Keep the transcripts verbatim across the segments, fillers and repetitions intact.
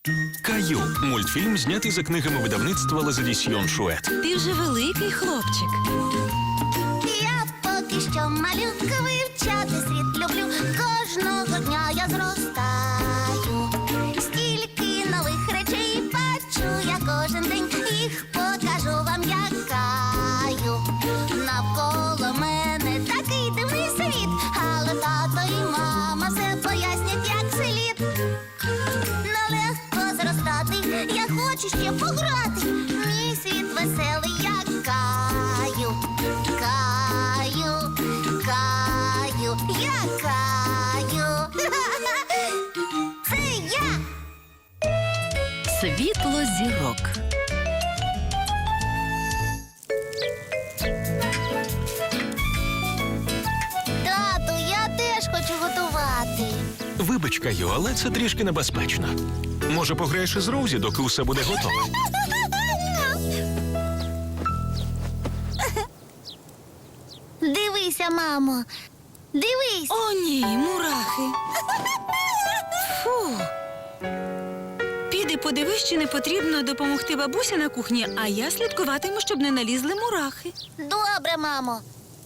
Каю. Мультфільм, знятий за книгами видавництва Лазадісьйон Шует. Ти вже великий хлопчик. Я поки що малюка, вивчати світ люблю. Кожного дня я зростаю. Стільки нових речей бачу я кожен день. Їх покажу вам, як Каю. Навколо мене такий дивний світ. Але тато і мама все пояснять, як слід. Нелегко зростати, я хочу ще пограти. Мій світ веселий, як Каю. Каю, Каю, я Каю. Це я. Світло зірок. Тату, я теж хочу готувати. Вибач, Каю, але це трішки небезпечно. Може, пограєш із Роузі, доки усе буде готово? Дивися, мамо. Дивись. О, ні, мурахи. Фу. Піди подивись, чи не потрібно допомогти бабусі на кухні, а я слідкуватиму, щоб не налізли мурахи. Добре, мамо.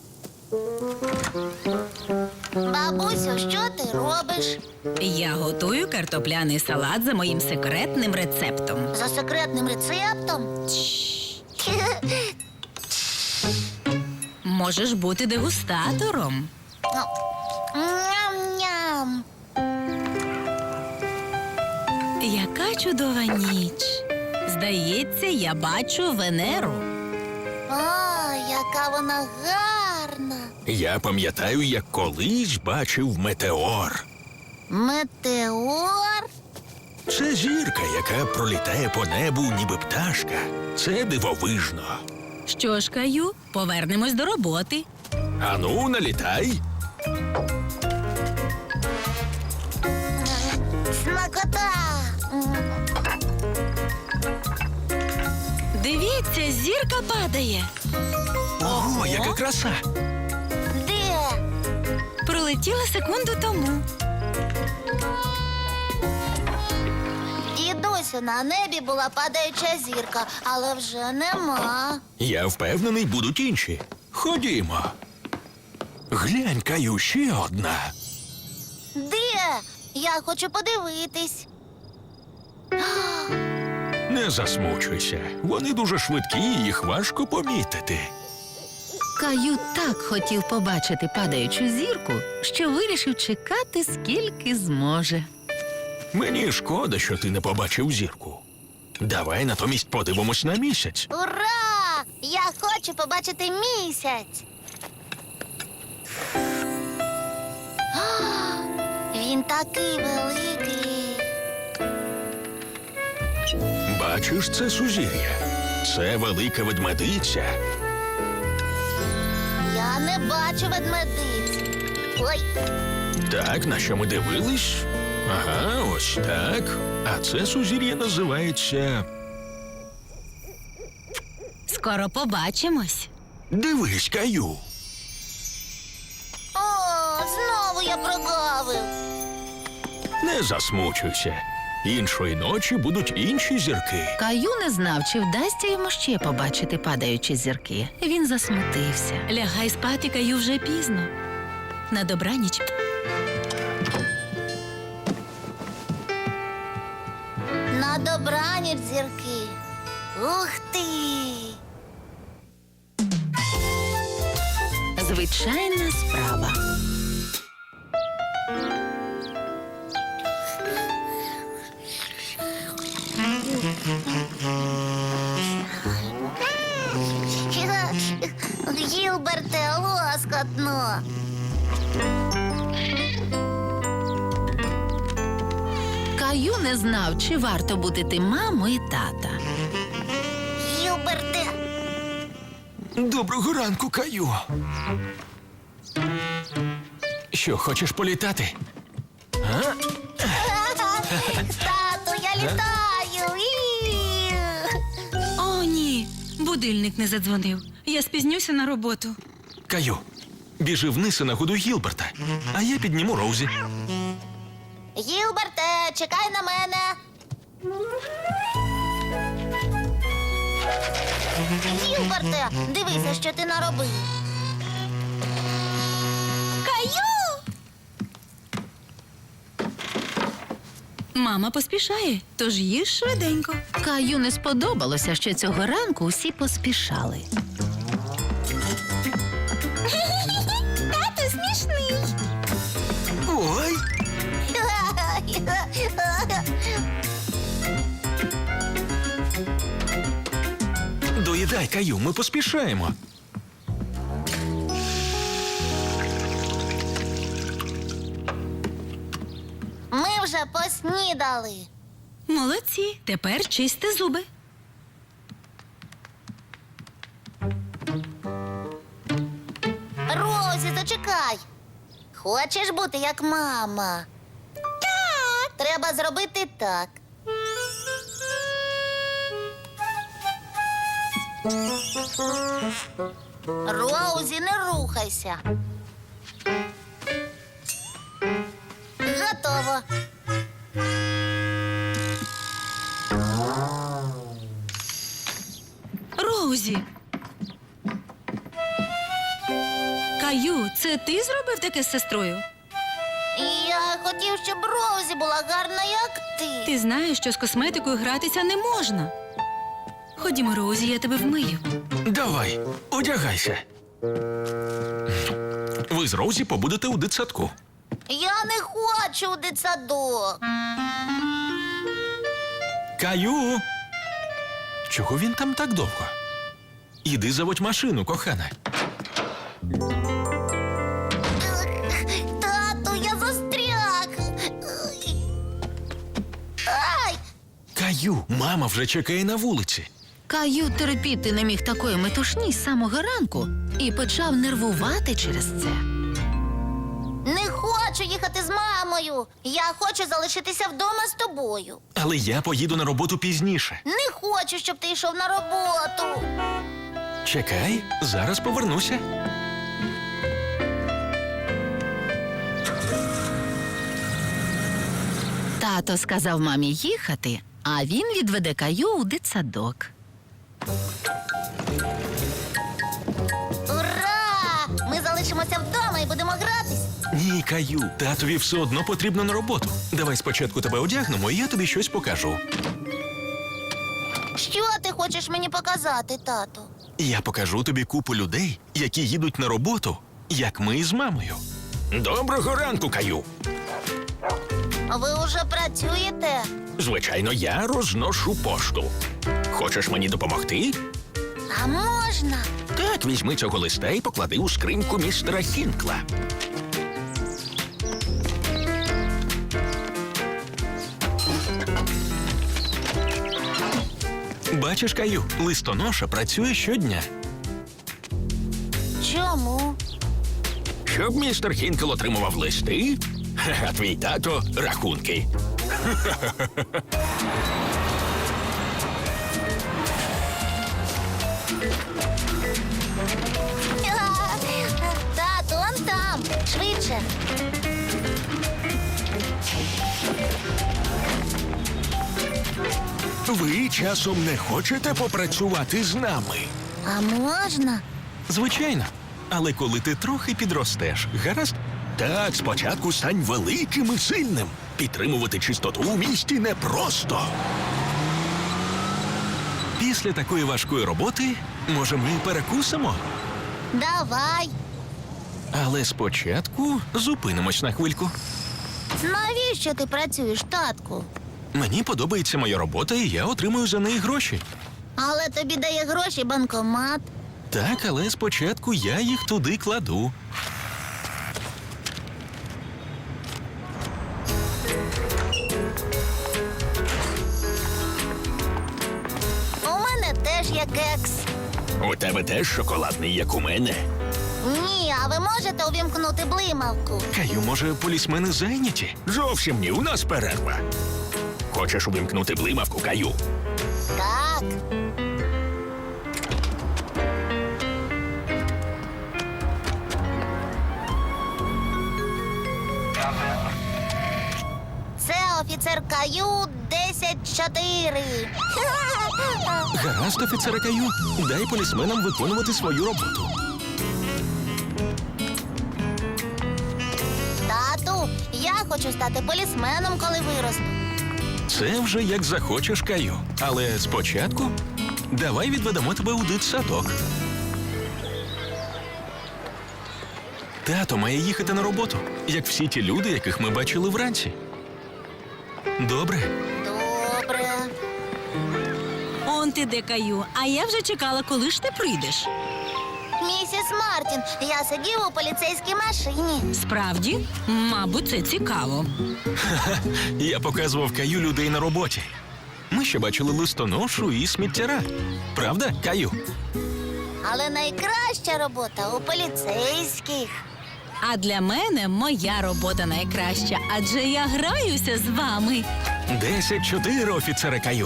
Бабусю, що ти робиш? Я готую картопляний салат за моїм секретним рецептом. За секретним рецептом? Можеш бути дегустатором. Ням-ням. Яка чудова ніч. Здається, я бачу Венеру. О, яка вона гарна. Я пам'ятаю, як колись бачив метеор. Метеор? Це зірка, яка пролітає по небу, ніби пташка. Це дивовижно. Що ж, Каю, повернемось до роботи. Ану, налітай. Смакота. Дивіться, зірка падає. Ого, яка краса! Де? Пролетіла секунду тому. Дідусю, на небі була падаюча зірка, але вже нема. Я впевнений, будуть інші. Ходімо. Глянь, Каю, ще одна. Де? Я хочу подивитись. Не засмучуйся. Вони дуже швидкі, і їх важко помітити. Каю так хотів побачити падаючу зірку, що вирішив чекати, скільки зможе. Мені шкода, що ти не побачив зірку. Давай натомість подивимось на місяць. Ура! Я хочу побачити місяць. А, він такий великий. Бачиш, це сузір'я. Це велика ведмедиця. Я не бачу ведмедиць. Ой, Так, на що ми дивились? Ага, ось так. А це сузір'я називається... Скоро побачимось. Дивись, Каю. о, знову я прогавив. Не засмучуйся. Іншої ночі будуть інші зірки. Каю не знав, чи вдасться йому ще побачити падаючі зірки. Він засмутився. Лягай спати, Каю, вже пізно. На добраніч. На добраніч, зірки. Ух ти! Звичайна справа. Гілберте, лоскотно. Каю не знав, чи варто будити маму і тата. Гілберте. Доброго ранку, Каю. Що, хочеш політати? А? Тату, я літаю. І. О, ні. Будильник не задзвонив. Я спізнюся на роботу. Каю, біжи вниз і нагодуй Гілберта, а я підніму Роузі. Гілберте, чекай на мене. Гілберте, дивися, що ти наробив. Каю! Мама поспішає, тож їж швиденько. Каю не сподобалося, що цього ранку усі поспішали. Тато смішний. Ой, доїдай, Каю, ми поспішаємо. Ми вже поснідали. Молодці, тепер чисти зуби. Розі, зачекай. Хочеш бути як мама? Так. Треба зробити так. Роузі, не рухайся. Готово. Роузі. Каю, це ти зробив таке з сестрою? Я хотів, щоб Роузі була гарна, як ти. Ти знаєш, що з косметикою гратися не можна. Ходімо, Роузі, я тебе вмию. Давай, одягайся. Ви з Роузі побудете у дитсадку. Я не хочу у дитсадок. Каю! Чого він там так довго? Іди заводь машину, кохана. Тату, я застряг. Ай! Каю, мама вже чекає на вулиці. Каю терпіти не міг такої метушні з самого ранку і почав нервувати через це. Не хочу їхати з мамою. Я хочу залишитися вдома з тобою. Але я поїду на роботу пізніше. Не хочу, щоб ти йшов на роботу. Чекай, зараз повернуся. Тато сказав мамі їхати, а він відведе Каю у дитсадок. Ура! Ми залишимося вдома і будемо гратись. Ні, Каю, татові все одно потрібно на роботу. Давай спочатку тебе одягнемо, і я тобі щось покажу. Що ти хочеш мені показати, тату? Я покажу тобі купу людей, які їдуть на роботу, як ми з мамою. Доброго ранку, Каю. Ви уже працюєте? Звичайно, я розношу пошту. Хочеш мені допомогти? А можна? Так, візьми цього листа і поклади у скриньку містера Хінкла. Бачиш, Каю, листоноша працює щодня. Чому? Щоб містер Хінкл отримував листи, а твій тато – рахунки. Тату, он там. Швидше. Ви часом не хочете попрацювати з нами? А можна? Звичайно. Але коли ти трохи підростеш, гаразд? Так, спочатку стань великим і сильним. Підтримувати чистоту у місті непросто. Після такої важкої роботи, може, ми перекусимо? Давай. Але спочатку зупинимось на хвильку. Навіщо ти працюєш, татку? Мені подобається моя робота, і я отримую за неї гроші. Але тобі дає гроші банкомат. Так, але спочатку я їх туди кладу. У мене теж є кекс. У тебе теж шоколадний, як у мене. Ні, а ви можете увімкнути блимавку? Каю, може, полісмени зайняті? Зовсім ні, у нас перерва. Хочеш увімкнути блимавку, Каю? Так. Це офіцер Каю десять чотири. Гаразд, офіцере Каю, дай полісменам виконувати свою роботу. Тату, я хочу стати полісменом, коли виросту. Це вже як захочеш, Каю. Але спочатку давай відведемо тебе у дитсадок. Тато має їхати на роботу, як всі ті люди, яких ми бачили вранці. Добре. Добре. Он ти де, Каю, а я вже чекала, коли ж ти прийдеш. Місіс Мартін, я сидів у поліцейській машині. Справді? Мабуть, це цікаво. Я показував Каю людей на роботі. Ми ще бачили листоношу і сміттяра. Правда, Каю? Але найкраща робота у поліцейських. А для мене моя робота найкраща, адже я граюся з вами. Десять чотири, офіцере Каю.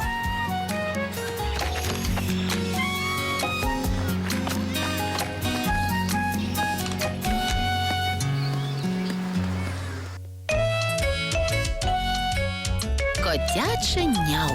Котяче няу.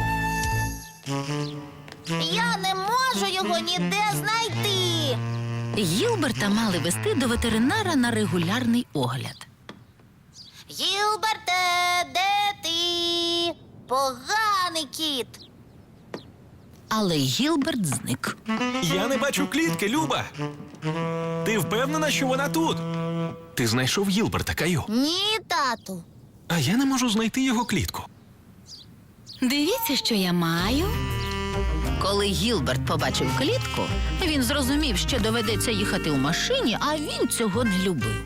Я не можу його ніде знайти. Гілберта мали вести до ветеринара на регулярний огляд. Гілберте, де ти? Поганий кіт. Але Гілберт зник. Я не бачу клітки, Люба. Ти впевнена, що вона тут? Ти знайшов Гілберта, Каю. Ні, тату. А я не можу знайти його клітку. Дивіться, що я маю. Коли Гілберт побачив клітку, він зрозумів, що доведеться їхати у машині, а він цього не любив.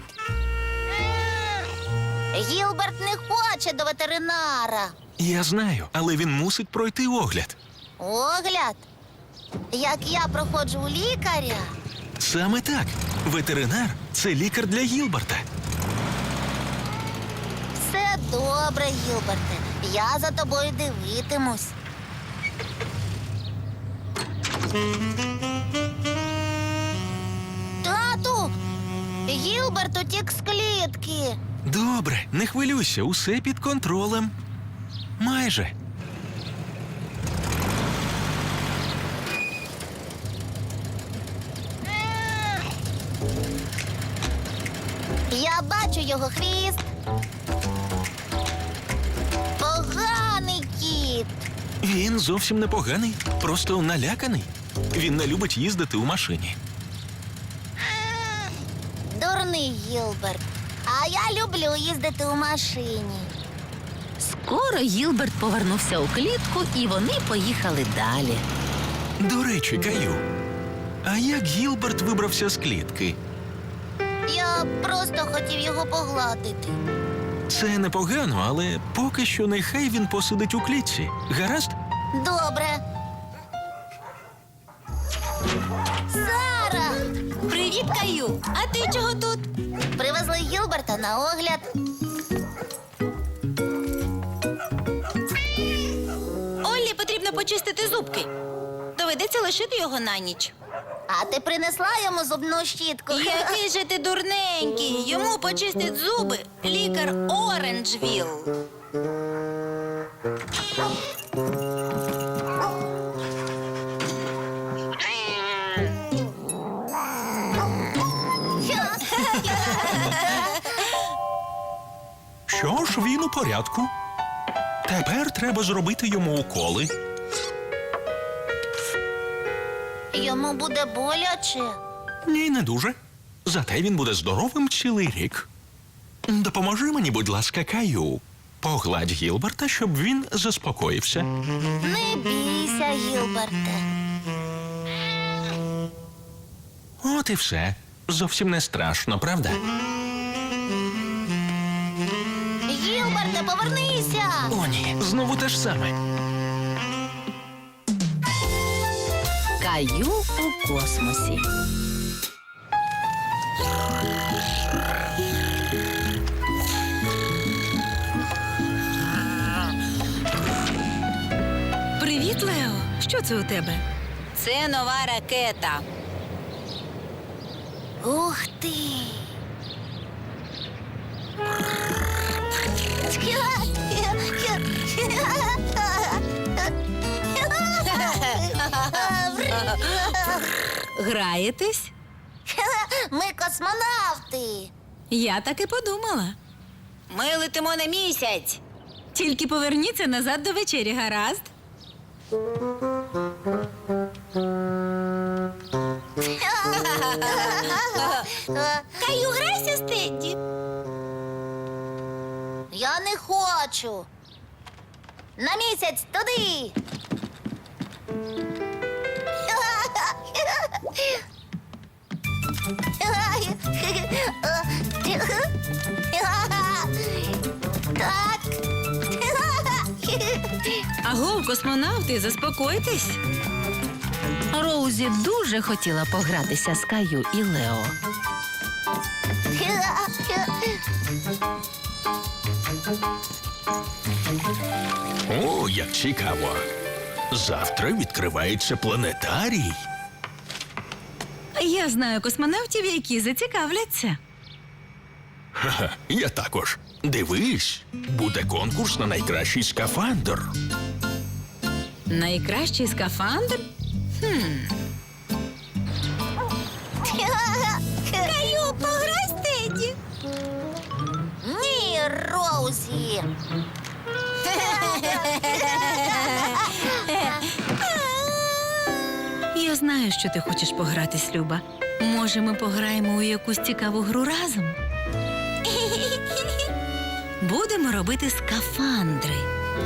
Гілберт не хоче до ветеринара. Я знаю, але він мусить пройти огляд. Огляд? Як я проходжу у лікаря? Саме так. Ветеринар – це лікар для Гілберта. Все добре, Гілберте. Я за тобою дивитимусь. Тату! Гілберт утік з клітки. Добре, не хвилюйся, усе під контролем. Майже. Я бачу його хвіст. Поганий кіт. Він зовсім непоганий, просто наляканий. Він не любить їздити у машині. Дурний Гілберт. А я люблю їздити у машині. Скоро Гілберт повернувся у клітку, і вони поїхали далі. До речі, Каю, а як Гілберт вибрався з клітки? Я просто хотів його погладити. Це непогано, але поки що нехай він посидить у клітці. Гаразд? Добре. Сара! Привіт, Каю! А ти чого тут? Привезли Гілберта на огляд. Оллі потрібно почистити зубки. Доведеться лишити його на ніч. А ти принесла йому зубну щітку? Який же ти дурненький! Йому почистить зуби лікар Оранжвіл. Що ж, він у порядку. Тепер треба зробити йому уколи. Йому буде боляче. Ні, не дуже. Зате він буде здоровим цілий рік. Допоможи мені, будь ласка, Каю. Погладь Гілберта, щоб він заспокоївся. Не бійся, Гілберте. От і все. Зовсім не страшно, правда? Гілберте, повернися! О, ні, знову те ж саме. Каю у космосі. Привіт, Лео. Що це у тебе? Це нова ракета. Ух ти! Граєтесь? Ми космонавти. Я так і подумала. Ми летимо на місяць. Тільки поверніться назад до вечері, гаразд? Каю, грайся з Тедді. Я не хочу. На місяць туди. Так. Агов, космонавти, заспокойтесь. Роузі дуже хотіла погратися з Каю і Лео. О, як цікаво. Завтра відкривається планетарій. Я знаю космонавтів, які зацікавляться. Ха-ха, я також. Дивись, буде конкурс на найкращий скафандр. Найкращий скафандр? Каю, пограй з Теді. Ні, Роузі. Я знаю, що ти хочеш погратись, Люба. Може, ми пограємо у якусь цікаву гру разом? Будемо робити скафандри.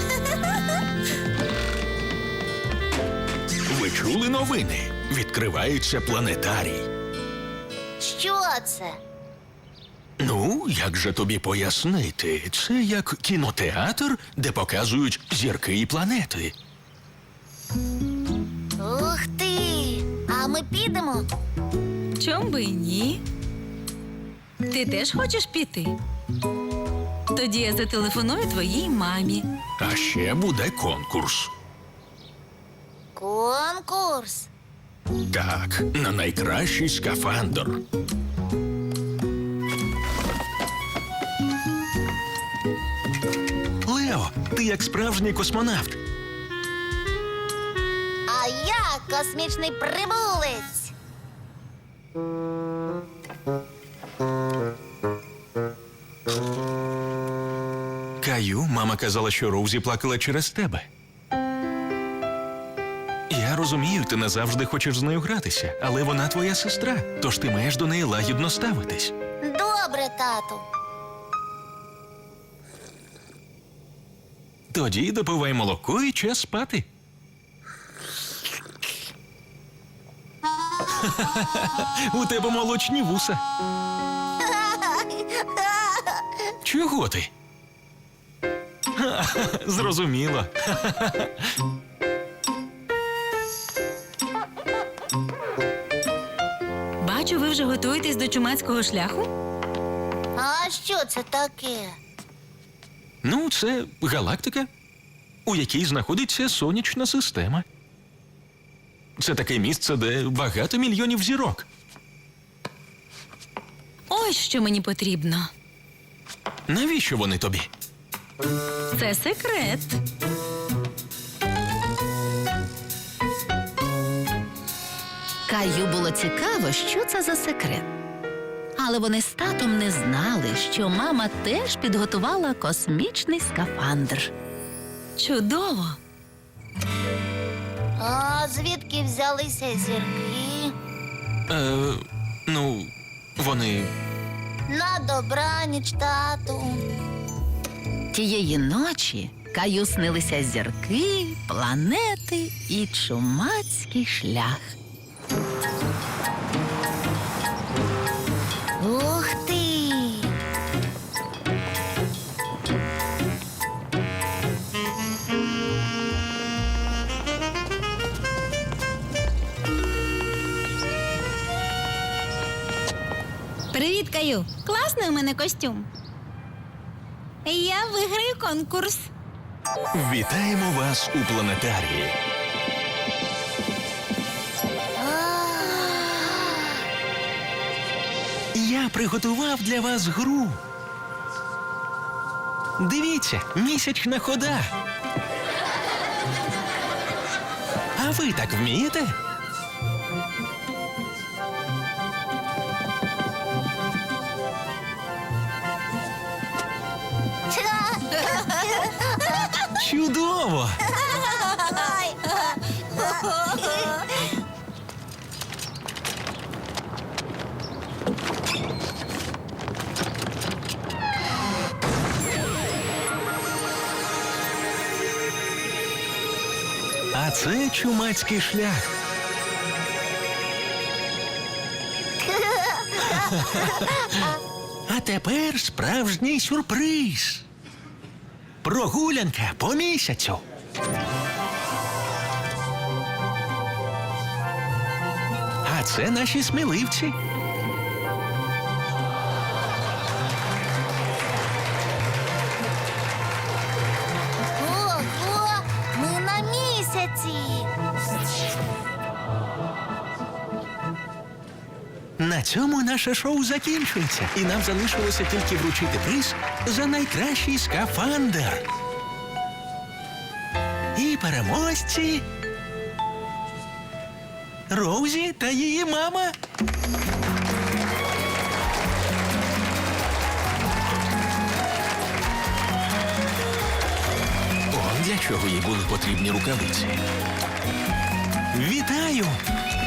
Ви чули новини? Відкривається планетарій. Що це? Ну, як же тобі пояснити? Це як кінотеатр, де показують зірки і планети. Ух ти! А ми підемо? Чом би і ні? Ти теж хочеш піти? Тоді я зателефоную твоїй мамі. А ще буде конкурс. Конкурс. Так, на найкращий скафандр. Лео, ти як справжній космонавт. А я космічний прибулець. Каю, мама казала, що Роузі плакала через тебе. Я розумію, ти не завжди хочеш з нею гратися, але вона твоя сестра, тож ти маєш до неї лагідно ставитись. Добре, тату. Тоді допивай молоко і час спати. У тебе молочні вуса. Чого ти? Зрозуміло. Бачу, ви вже готуєтесь до чумацького шляху? А що це таке? Ну, це галактика, у якій знаходиться сонячна система. Це таке місце, де багато мільйонів зірок. Ось що мені потрібно. Навіщо вони тобі? Це секрет. Каю було цікаво, що це за секрет. Але вони з татом не знали, що мама теж підготувала космічний скафандр. Чудово. А звідки взялися зірки? Е, ну, вони. На добраніч, тату. Тієї ночі Каю снилися зірки, планети і чумацький шлях. Ух ти! Привіт, Каю. Класний у мене костюм. Я виграю конкурс. Вітаємо вас у планетарії. Я приготував для вас гру. Дивіться, місячна хода. А ви так вмієте? Чудово! А це чумацький шлях. А тепер справжній сюрприз. Прогулянка по місяцю. А це наші сміливці. Ого, ми на місяці. На цьому наше шоу закінчується, і нам залишилося тільки вручити приз за найкращий скафандр. І переможці Роузі та її мама. О, для чого їй були потрібні рукавиці? Вітаю!